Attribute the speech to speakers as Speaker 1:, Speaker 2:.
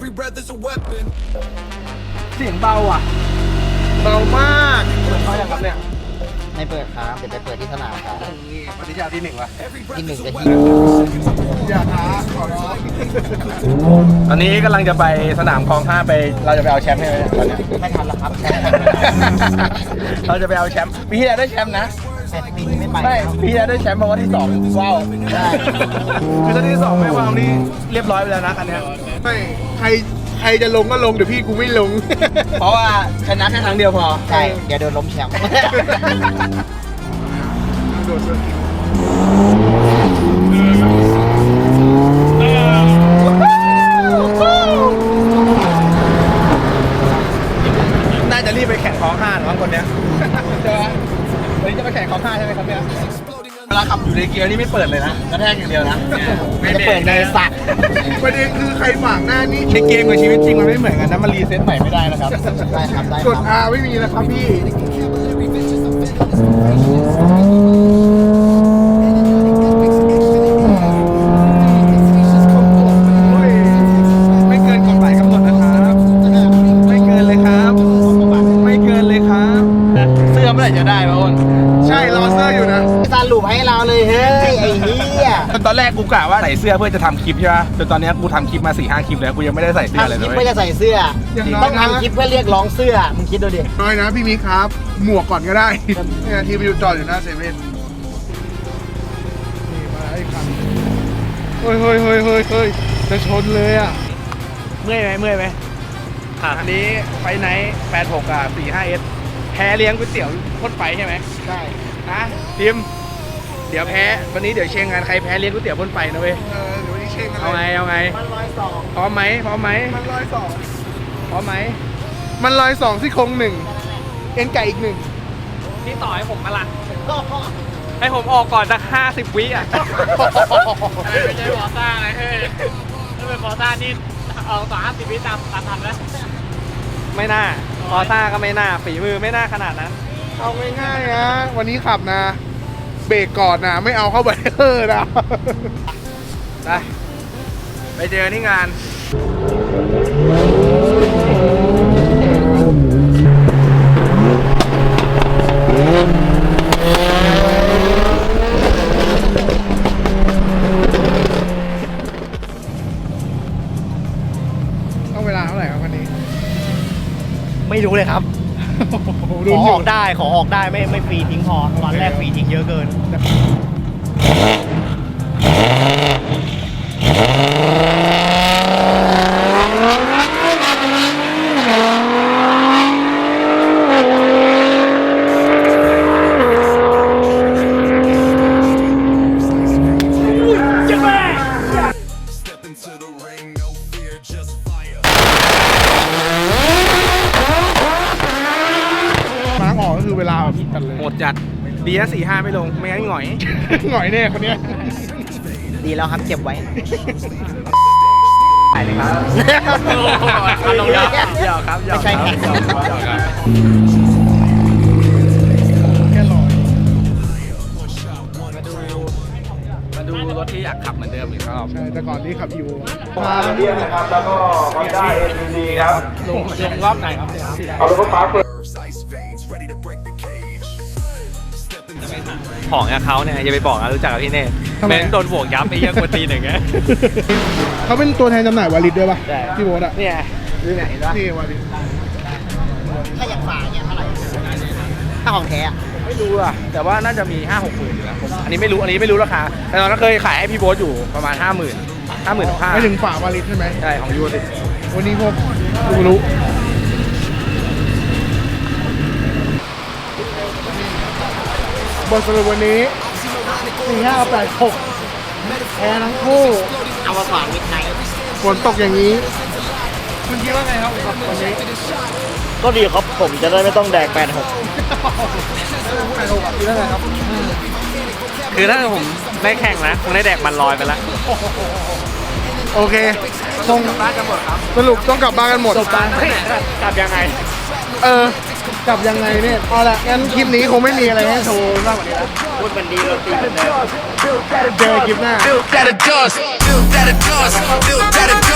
Speaker 1: Every breath is a weapon.
Speaker 2: เสียงเบาอ่ะเบามากเปิดไฟอย่างครับเนี่ย
Speaker 3: ไม่เปิดครับเดี๋ยวไปเปิดที่สนามครับ
Speaker 2: นี่ปฏิญาณที่1วะ
Speaker 3: ที่1กับที่
Speaker 2: อย่าท้าขอร้องตอนนี้กำลังจะไปสนามคลอง5ไปเราจะไปเอาแชมป์ให้ไหมตอนนี้
Speaker 3: ไม่ทันแล้วครับ
Speaker 2: เราจะไปเอาแชมป์ปีที่แล้วได้แชมป์นะ
Speaker 3: แต่ปีนี้ไม่ไป
Speaker 2: ไม่ปีที่แล้วได้แชมป์เพราะว่าที่2ว้าวได้คือตอนที่2ไม่ว้าวนี่เรียบร้อยไปแล้วนะอันเนี้ย
Speaker 4: ไม่ใครจะลงก็ลงเดี๋ยวพี่กูไม่ลง
Speaker 2: เพราะว่าชนะแค่ครั้งเดียวพอ
Speaker 3: ใช่เดี๋ยวโดนล้มแชมป์
Speaker 4: โดดเสือกิน
Speaker 2: น่าจะรีบไปแข่งคลอง5หรือว่าคนเนี้ยใช่ไหมวันนี้จะไปแข่งคลอง5ใช่ไหมครับเนี่ยเวลาขับอยู่ในเกียร์นี่ไม่เปิดเลยนะกระแทกอย่างเดียวนะ
Speaker 3: ไม่จะเปิดในสัตว์
Speaker 4: ประเด็นคือใครฝากหน้านี่
Speaker 2: ในเกมกับชีวิตจริงมันไม่เหมือนกันนะมันรีเซ็ตใหม่ไม่ได้นะครับ
Speaker 3: ได้ครับได้
Speaker 4: ก
Speaker 3: ค
Speaker 4: ด
Speaker 3: รับ
Speaker 4: R ไม่มีนะครับพี่
Speaker 2: ไม่เกินกฎหมายกำหนดนะครับไม่เกินเลยครับไม่เกินเลยครับเสื้อเมื่อไหร่จะได้วะอ้น
Speaker 4: ใช่รอเสื้ออยู่นะ
Speaker 3: สรุปให้เราเลยเฮ้ยไอ้เหี้ย
Speaker 2: ตอนแรกกูกะว่าใส่เสื้อเพื่อจะทำคลิปใช่ป่ะจนตอนนี้กูทำคลิปมา 4-5 คลิปแล้วกูยังไม่ได้ใส่เสื้อเลย
Speaker 3: ทำคลิป
Speaker 2: นะ
Speaker 3: เพื่อ
Speaker 2: เว้ย
Speaker 3: จะใส่เสื้อ
Speaker 4: อย่างน้อย
Speaker 3: ต้อง
Speaker 4: นะ
Speaker 3: ทำคลิปเพื่อเรียกร้องเสื้อมึงคิดดูดิ
Speaker 4: น้อยนะพี่มิกครับ หมวกก่อนก็ได้เนี่ยทีมอยู่จอดอยู่หน้าเซเว่นนี่มาไอ้คันเฮ้ยจะชนเลยอ่ะ
Speaker 2: เมื่อยไหมอันนี้ไฟไนท์86กับ45S แพ้เลี้ยงก๋วยเตี๋ยวพ่นไฟใช่ไหม
Speaker 3: ใช่
Speaker 2: นะทีมเดี๋ยวแพ้วันนี้เดี๋ยวเชียงงานใครแพ้เลี้ยงก๋วยเตี๋ยวพ่นไฟนะเว้ย
Speaker 4: เดี๋ยววันนี้เช็คกัน
Speaker 2: เอาไง
Speaker 3: มัน102
Speaker 2: พร้อมไหม
Speaker 4: มัน102
Speaker 2: พร้อมไหม
Speaker 4: มัน102ซี่โครง1เอ็นไก่อีก1
Speaker 5: พี่ต่อให้ผมมาละให้ผมออกก่อนสัก50 วิอ่ะ ไม่ใช่ฟอร์ซ่าไงเฮ้ยถ้าเป็นฟอร์ซ่านี่เอาต่อ50 วิตามทันแล้ว
Speaker 2: ไม่น่าพอซ่าก็ไม่น่าฝีมือไม่น่าขนาดนั้น
Speaker 4: เอาง่ายๆนะวันนี้ขับนะ เบรกก่อนนะไม่เอาเข้าไปนะ
Speaker 2: ไปเจอที่งาน
Speaker 4: ต้องเวลาเท่าไหร่ครับวันนี้
Speaker 3: ไม่รู้เลยครับ ขอออกได้ไม่ฟรีทิ้งพอตอนแรกฟรีทิ้งเยอะเกิน
Speaker 1: Step into the ring, no fear, just fire.
Speaker 4: มาร์กออกก็คือเวลาแบบกันเลย
Speaker 2: หมดจัดดีนะ4-5ไม่ลงไม่งั้นหงอย
Speaker 4: หน่อยแน่คนเนี้ย
Speaker 3: ดีแล้วครับเก็บไว้
Speaker 2: ไปเลยครับ
Speaker 5: ลงยับ
Speaker 2: หยอกครับหยอก
Speaker 3: ไม่ใช่
Speaker 2: ครับ
Speaker 3: แข่ง
Speaker 2: หยอกครับ
Speaker 4: แค่ลอย
Speaker 2: มาดูรถที่อยากขับเหมือนเดิมอีกรอบ
Speaker 4: ใช่แต่ก่อนนี้ขับอีโว
Speaker 2: มาเรียนนะครับแล้วก็ฮอนด้า ND ครับลงรอบไหนครับเอารถไฟฟ้าเปิด
Speaker 1: Ice veins, ready to break the cage. Step into the ring.
Speaker 5: ของกับเขาเนี่ยอย่าไปบอกนะรู้จักกับพี่เน่เม้นโดนบวกยับไอ้เหี้ยกวนตีนอย่างเงี้ย
Speaker 4: เขาเป็นตัวแทนจำหน่ายวาลิดด้วยป่ะพี่โบ๊ทอ่ะ
Speaker 2: เนี่ยดูไหนวะ
Speaker 4: นี่วาลิด
Speaker 3: ถ้าอยากฝากเนี่ยเท่าไหร่ถ้าของแท้อะ
Speaker 2: ไม่รู้อะแต่ว่าน่าจะมี 5-6 หมื่นอยู่นะผมอันนี้ไม่รู้ราคาแต่ตอนนั้นเคยขายให้พี่โบ๊ทอยู่ประมาณ 50,000 55,000
Speaker 4: ไม่ถึงฝาวาลิดใช่ไหม
Speaker 2: ใช่ของยูสิ
Speaker 4: วันนี้พวกดูรู้บทสรุปวันนี้4586แพ้ทั้งคู่
Speaker 3: เอามาฝากมิดไนท์
Speaker 4: ฝนตกอย่างนี้ คุณคิดว่าไงครับกับวันนี้
Speaker 3: ก็ดีครับผมจะได้ไม่ต้องแดก86
Speaker 4: 86คิดว่าไงครับ
Speaker 5: คือถ้าผมได้แข่งนะคงได้แดกมันลอยไปแล้ว
Speaker 4: โอเคต้องสรุปต้องกลับบ้านกันหมด
Speaker 5: กลับยังไง
Speaker 4: กลับยังไงเนี่ยเอาละงั้นคลิปนี้คงไม่มีอะไรให้โชว์มากกว่านี้แล้ว
Speaker 3: พูดมันดีเราตีกันเลย
Speaker 4: เจอคลิปหน้า
Speaker 1: Built that a dust, built that a dust, built that a dust.